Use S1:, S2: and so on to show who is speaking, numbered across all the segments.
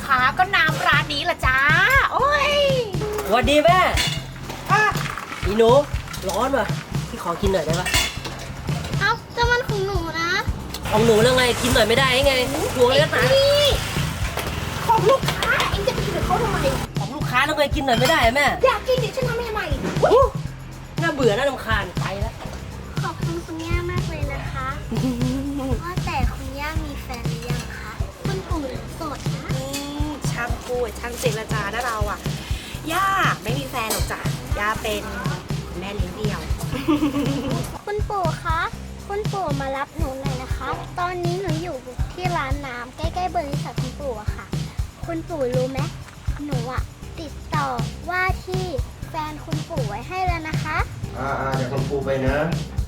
S1: คะก็น้ำร้านนี้แหละจ้าโอ้ย
S2: สวัสดีแม่อีหนูร้อนว่ะพี่ขอกินหน่อยได้ปะ
S3: เอ้าแต่มันของหนูนะ
S2: ของหนูแล้วไงกินหน่อยไม่ได้ไงห่วงเล็กหนา
S1: นี่ของลูกค้าเองจะไปกินกับเขาทำไม
S2: ของลูกค้าแล้วไงกินหน่อยไม่ได้แม่
S1: อยากกินดิฉันทำให้ทำไม
S2: น่าเบื่อน่ารำคาญไปแล้ว
S3: ขอบคุณคุณย่ามากเลยนะคะว่าแต่คุณย่ามีแฟนหรือยังคะคุณปู่โสดนะ
S1: ช่างพูดช่างเจรจานะเราอ่ะย่าไม่มีแฟนหรอกจ้ะย่าเป็นแม่เลี้ยงเดี่ยว
S3: คุณปู่คะคุณปู่มารับหนูหน่อยนะคะ ตอนนี้หนูอยู่ที่ร้านน้ำใกล้ๆบริษัทคุณปู่อะค่ะ คุณปู่รู้ไหมหนูอะติดต่อว่าที่แฟนคุณปู่ไว้ให้แล้วนะคะ
S4: เดี๋ยวคุณครูไปนะ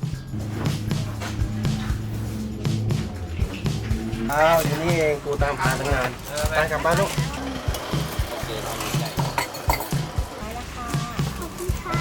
S4: เดี๋ยวนี้เองกูตามหาตั้งนานไปกลับบ้านลูก
S3: ขอบคุณค่ะ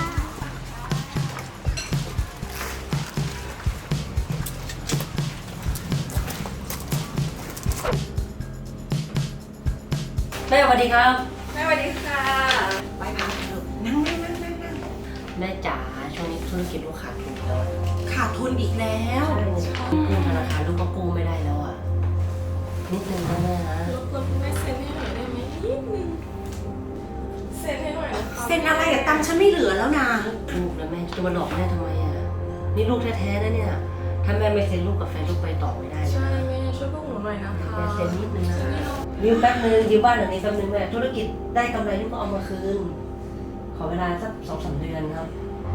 S2: แม่สวัสดีครับ
S1: แม่สวัสดีค่ะไปพาลูกนั่ง
S2: แม่จ๋าช่วงนี้ธุรกิจลูกขาดทุนแล้ว
S1: ขาดทุนอีกแล้ว
S2: กู้ธนาคารลูกก็กู้ไม่ได้แล้วอ่ะนิดนึงนะแม่นะ
S5: รบกวนคุณแม่เซ็นให้หน่อยได้ไหมนิดนึงเซ็นให้หน่อยนะคะ
S1: เซ็นอะไรอะตังค์ฉันไม่เหลือแล้วนะ
S2: ลูกนะแม่จะมาหลอกแม่ทำไมอ่ะนี่ลูกแท้ๆนะเนี่ยถ้าแม่ไม่เซ็นลูกกับแฟนลูกไปต่อไม่ได้
S5: ใช่
S2: นะ
S5: แม่ช่วยพวกหนูหน่อยนะคะ
S2: แม่เซ็นนิดนึงนะยืมแป๊บนึงยืมบ้านหลังนี้แป๊บนึงแม่ธุรกิจได้กำไรลูกก็เอามาคืนขอเวลาสัก2-3 เดือนครับ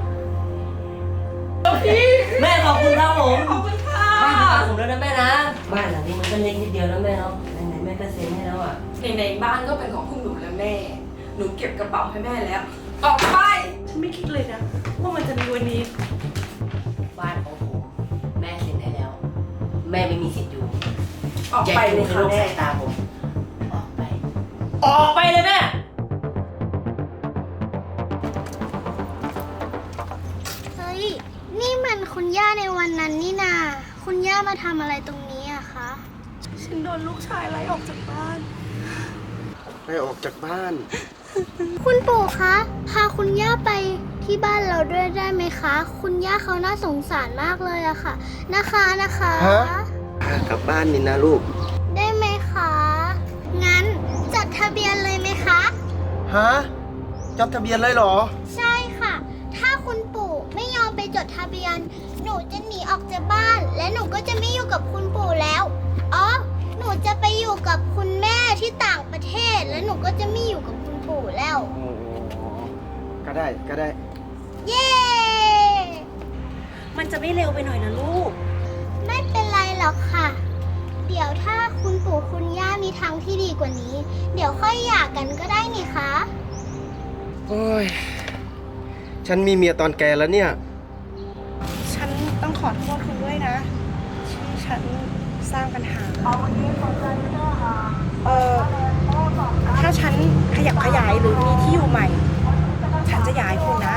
S2: แม่ขอบคุณครับผม
S5: ขอบคุณค่ะ
S2: บ้านของผมแล้วนะแม่นะบ้านหลังนี้มันก็เล็กนิดเดียวนะแม่เนาะไหนๆแม่ก็เซ็นให้แล้วอ่ะ
S5: ในบ้านก็เป็นของคุณหนูและแม่ หนูเก็บกระเป๋าให้แม่แล้ว ออกไป ฉันไม่คิดเลยนะว่ามันจะมีวันนี้
S2: บ้านของผมแม่เซ็นให้แล้ว แม่ไม่มีสิทธิ์อยู่
S5: ออก
S2: อย่า
S5: ไป
S2: อ
S5: เล
S2: ยู่
S5: ย
S2: ใน
S5: ค่ะ
S2: โลก
S5: แม่
S2: สายตาผมออกไปออกไปเลยแม่
S3: เฮ้ย นี่มันคุณย่าในวันนั้นนี่นา คุณย่ามาทำอะไรตรงนี้อะคะ
S5: ฉันโดนลูกชายไล่ออกจากบ้าน
S4: ไปออกจากบ้าน
S3: คุณปู่คะ พาคุณย่าไปที่บ้านเราด้วยได้ไหมคะ คุณย่าเขาน่าสงสารมากเลยอะค่ะ นะคะ
S4: ฮะ กลับบ้านนี่นะลูก
S3: ได้ไหมคะ งั้นจดทะเบียนเลยไหมคะ
S4: ฮะจดทะเบียนเลยเหรอ
S3: ใช่ค่ะ ถ้าคุณปู่ไม่ยอมไปจดทะเบียน หนูจะหนีออกจากบ้าน และหนูก็จะไม่อยู่กับคุณปู่แล้ว อ๋อ หนูจะไปอยู่กับคุณแม่ที่ต่างประเทศ และหนูก็จะไม่อยู่กับคุณปู่แล้ว
S4: โอ้ก็ได้
S3: เย้
S1: มันจะไม่เร็วไปหน่อยนะลูก
S3: ไม่เป็นไรหรอกค่ะ เดี๋ยวถ้าคุณปู่คุณย่ามีทางที่ดีกว่านี้ เดี๋ยวค่อยหย่ากันก็ได้นี่คะ
S4: โอ้ย ฉันมีเมียตอนแกแล้วเนี่ย
S1: ฉันต้องขอโทษคุณด้วยนะ ที่ฉันสร้างปัญหาถ้าฉันขยับขยายหรือมีที่อยู่ใหม่ ฉันจะย้ายคุณนะ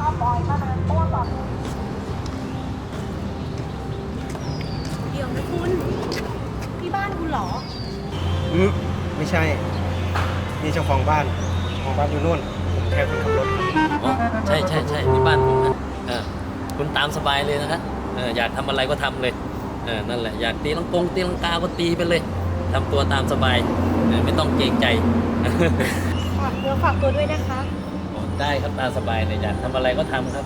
S1: เดี๋ยวนะคุณที่บ้านคุณเหรอ
S4: ไม่ใช่ นี่เจ้าของบ้านอยู่นู่น ผมแค่คนขับรถ
S6: อ๋อใช่ใช่ใช่ที่บ้านผมนะคุณตามสบายเลยนะครับอยากทำอะไรก็ทำเลยนั่นแหละอยากตีตีลังกาก็ตีไปเลยทำตัวตามสบายไม่ต้องเกรงใจ
S1: ฝากเนื้อฝากตัวด้วยนะคะ
S6: อ๋อได้ครับตามสบายเลยอยากทำอะไรก็ทำครับ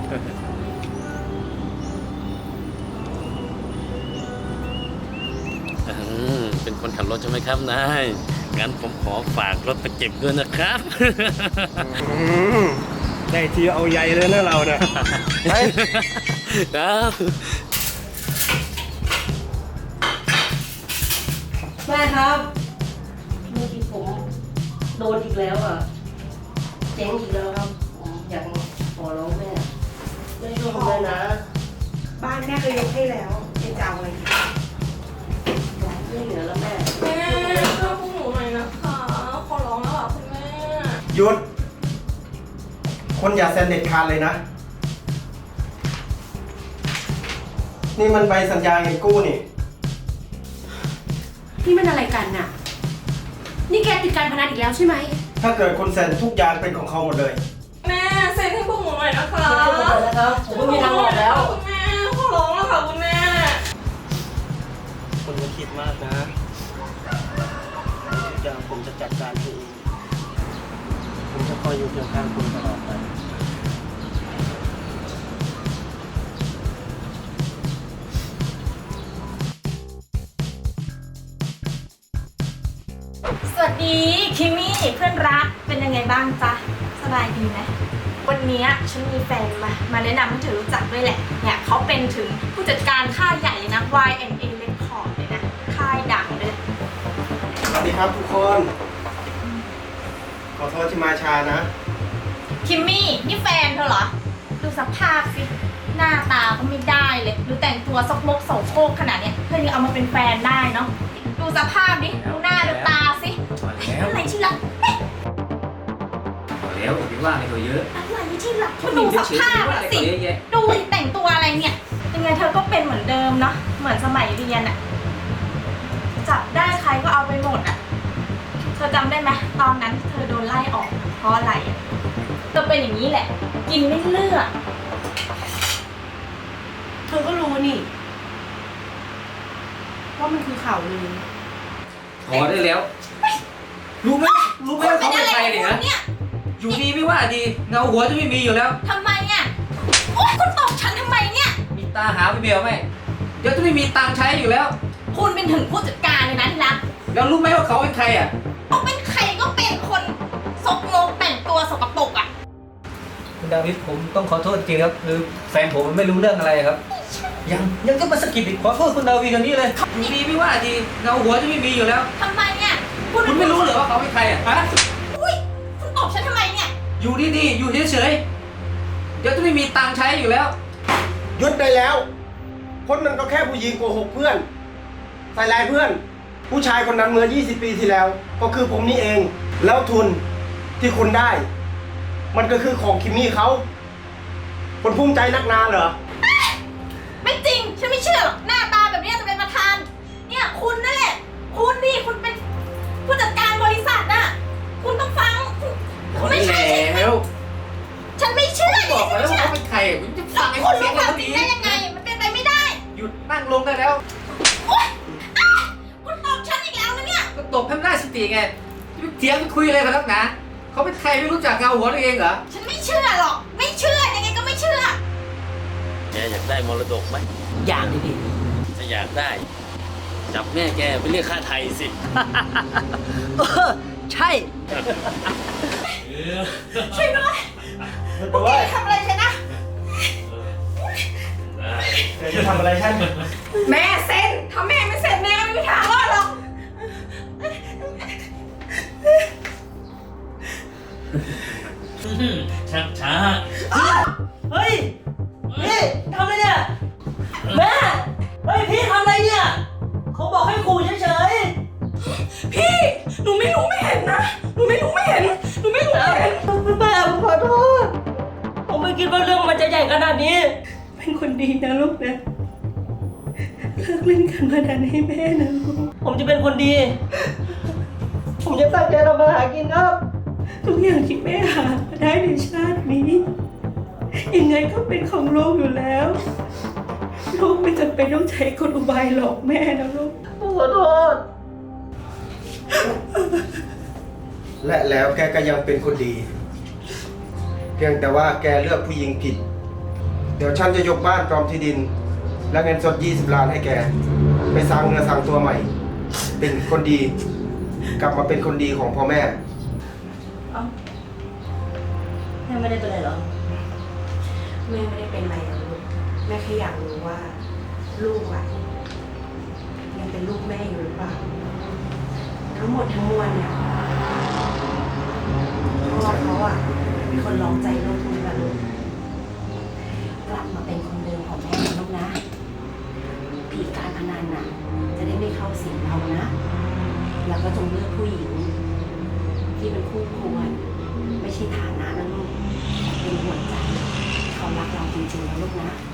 S6: เป็นคนขับรถใช่ไหมครับนายงั้นผมขอฝากรถไปเก็บด้วยนะครับ
S4: ได้ทีเอาใหญ่เลยนะเราเนี่ย ไป
S6: ครับ
S2: แม่ครับเมื่อกี้ผมโดนอีกแล้วอ่ะเจ๊งอีกแล้วครับผมอยากขอร้องแม่ช่วยผมเลยนะ
S1: บ้านแม่เคยยกให้แล้วเป็นจะเอาอะไรอีก
S2: ไม่เหลือแล้วแม่
S5: แม่ช่วยพวกหนูหน่อยนะคะ ขอร้องแล้วค่ะคุณแม่
S4: หยุด คนอย่าเซ็นเด็ดขาดเลยนะ นี่มันใบสัญญาเงินกู้นี่
S1: นี่มันอะไรกันน่ะนี่แกติดการพนันอีกแล้วใช่ไหม
S4: ถ้าเกิดคนเซ็นทุกอย่างเป็นของเขาหมดเลย
S5: แม่เซ็นให้พวกหนูหน่อยนะคะ
S2: ช่วยผมหน่อยนะครับ ผมไม่มีทางออกแล้ว
S5: คุณแม่ขอร้องแล้วค่ะคุณแม่
S4: คุณอย่าคิดมากนะทุกอย่างผมจะจัดการเองผมจะคอยอยู่เคียงข้างคุณตลอดไป
S1: สวัสดีคิมมี่เพื่อนรักเป็นยังไงบ้างจ๊ะสบายดีไหมวันนี้ฉันมีแฟนมาแนะนำให้เธอรู้จักด้วยแหละเนี่ยเขาเป็นถึงผู้จัดการค่ายใหญ่เลยนะ Y&A Record เลยนะค่ายดังเลย
S4: สวัสดีครับทุกคน ขอโทษที่มาช้านะ
S1: คิมมี่นี่แฟนเธอเหรอดูสภาพสิหน้าตาก็ไม่ได้เลยดูแต่งตัวซกมกโสโครกขนาดเนี้ยเธอยังเอามาเป็นแฟนได้เนาะดูสภาพดิดูหน้าดูตาสิ
S6: พอแล้ว
S1: อะไรที่รัก
S6: พอแล้วอย่าไปว่าอะไรเขาเยอะ
S1: อะไรที่รักก็ดูสภาพอะสิ
S6: เยอะแยะ
S1: ดูดิแต่งตัวอะไรเนี่ยยังไงเธอก็เป็นเหมือนเดิมเนาะเหมือนสมัยเรียนอะจับได้ใครก็เอาไปหมดอะเธอจำได้ไหมตอนนั้นเธอโดนไล่ออกเพราะอะไรอะเธอเป็นอย่างนี้แหละ กินไม่เลือกเธอก็รู้นี่ว่ามันคือข่าวลือ
S7: พอได้แล้ว รู้ไหมว่าเขาเป็นใครเนี่ย
S1: เนี่ย
S7: อยู่ดีไม่ว่าดีเงาหัวจะไม่มีอยู่แล้ว
S1: ทำไมอะโอ๊ยคุณตอบฉันทำไมเนี่ย
S7: มีตาหาไม่เบียวไหมเดี๋ยวจะไม่มีตังค์ใช้อยู่แล้ว
S1: คุณเป็นถึงผู้จัดการเลยนะที่รัก
S7: แล้วรู้ไหมว่าเขาเป็นใครอ่ะ
S1: เขาเป็นใครก็เป็นคนซกโลกแต่งตัวสกปรกอะ
S7: คุณดาวิดผมต้องขอโทษจริงครับคือแฟนผมมันไม่รู้เรื่องอะไรครับ ยังก็มาสะกิดอีกขอโทษคุณดาวิดกันนี้เลยอยู่ดีไม่ว่าดีเงาหัวจะไม่มีอยู่แล้ว
S1: ทำไมเนี่ย
S7: คุณไม่รู้เหรอว่าเขาเป็นใครอ่ะฮะ
S1: อุ้ยคุณตอบฉันทำไมเนี่ย
S7: อยู่ดีๆอยู่เฉยๆเดี๋ยวจะไม่มีตังค์ใช้อยู่แล้ว
S4: หยุดได้แล้ว คนนั้นก็แค่ผู้หญิงโกหกเพื่อน ใส่ร้ายเพื่อน ผู้ชายคนนั้นเมื่อ 20 ปีที่แล้ว ก็คือผมนี่เอง แล้วทุนที่คุณได้ มันก็คือของคิมมี่เขาคนภูมิใจนักหนาเหรอ
S1: ไม่จริง ฉันไม่เชื่อหรอก หน้าตาแบบนี้จะเป็นประธาน เนี่ยคุณนั่นแหละ คุณนี่คุณเป็นผู้จัดการบริษัทน่ะ คุณต้องฟังคุณไม่ใช่ใช่ไหม
S7: แล้ว
S1: ฉันไม่เชื่อ
S7: บอกไปแล้ว
S1: ฉัน
S7: ว่า
S1: ไม่
S7: เขาเป็นใครผมจะ
S1: เชื่
S7: ฟั
S1: อง
S7: ไอ้
S1: คุณ
S7: เสีย
S1: รู้
S7: ง
S1: ความ
S7: เขา
S1: จริ
S7: ดี
S1: งได้ยังไง มันเป็นไปไม่ได้
S7: หยุดนั่งลงได้แล้ว
S1: โอ๊ยอ้าวคุณตอบฉันอีกแล้วนะเนี่ย
S7: ก็ตบให้มันได้สติไงจะไปเถียงไปคุยอะไรกันนักหนาเขาเป็นใครไม่รู้จักเงาหัวตัวเองเหรอ
S1: ฉันไม่เชื่อหรอก ไม่เชื่อ ยังไงก็ไม่เชื่อ
S6: แกอยากได้มรดกไหม
S2: อย่างนี้ดิ
S6: ถ้าอยากได้ จับแม่แกไปเรียกค่าไทยสิ
S2: ใช่
S1: ช่วยด้วยพวกแกทำอะไรฉันนะ
S4: เธอจะทำอะไรฉัน
S1: แม่เซ็นถ้าแม่ไม่เซ็นแม่ก็ไม่มีทางรอดหรอก
S6: ชักช้า
S2: เฮ้ยพี่ทำอะไรเนี่ยแม่เฮ้ยพี่ทำอะไรเนี่ยเขาบอกให้ขู่เฉย
S5: พี่ หนูไม่รู้ไม่เห็นนะ หนูไม่รู้ไม่เห็น หนูไม่รู้ไม่เห็น
S2: ๆแม่ผมขอโทษผมไม่คิดว่าเรื่องมันจะใหญ่ขนาดนี้
S5: เป็นคนดีนะลูกนะ เลิกเล่นการพนันให้แม่นะลูก
S2: ผมจะเป็นคนดี ผมจะตั้งใจทำมาหากินครับ
S5: ทุกอย่างที่แม่หามาได้ในชาตินี้ ยังไงก็เป็นของลูกอยู่แล้ว ลูกไม่จำเป็นต้องใช้กลอุบายหลอกแม่นะลูก
S2: ผมขอโทษ
S4: และแล้วแกก็ยังเป็นคนดี เพียงแต่ว่าแกเลือกผู้หญิงผิด เดี๋ยวฉันจะยกบ้านพร้อมที่ดิน และเงินสด 20 ล้านให้แก ไปสร้างเนื้อสร้างตัวใหม่ เป็นคนดี กลับมาเป็นคนดีของพ่อแม่
S2: แม่ไม่ได้เป็นไรหรอ
S1: แม่ไม่ได้เป็นอะไรหรอกลูก แม่แค่อยากรู้ว่า ลูกอะยังเป็นลูกแม่อยู่หรือเปล่า ทั้งหมดทั้งมวลเนี่ยพ่อเขาอะเป็นคนลองใจลูกทุกแบบลูกกลับมาเป็นคนเดิมของแม่นะลูกนะผีการพนันน่ะ จะได้ไม่เข้าสิงเรานะ แล้วก็จงเลือกผู้หญิง ที่เป็นคู่ควร ไม่ใช่ฐานะนะลูกแต่เป็นหัวใจที่เขารักเราจริงๆนะลูกนะ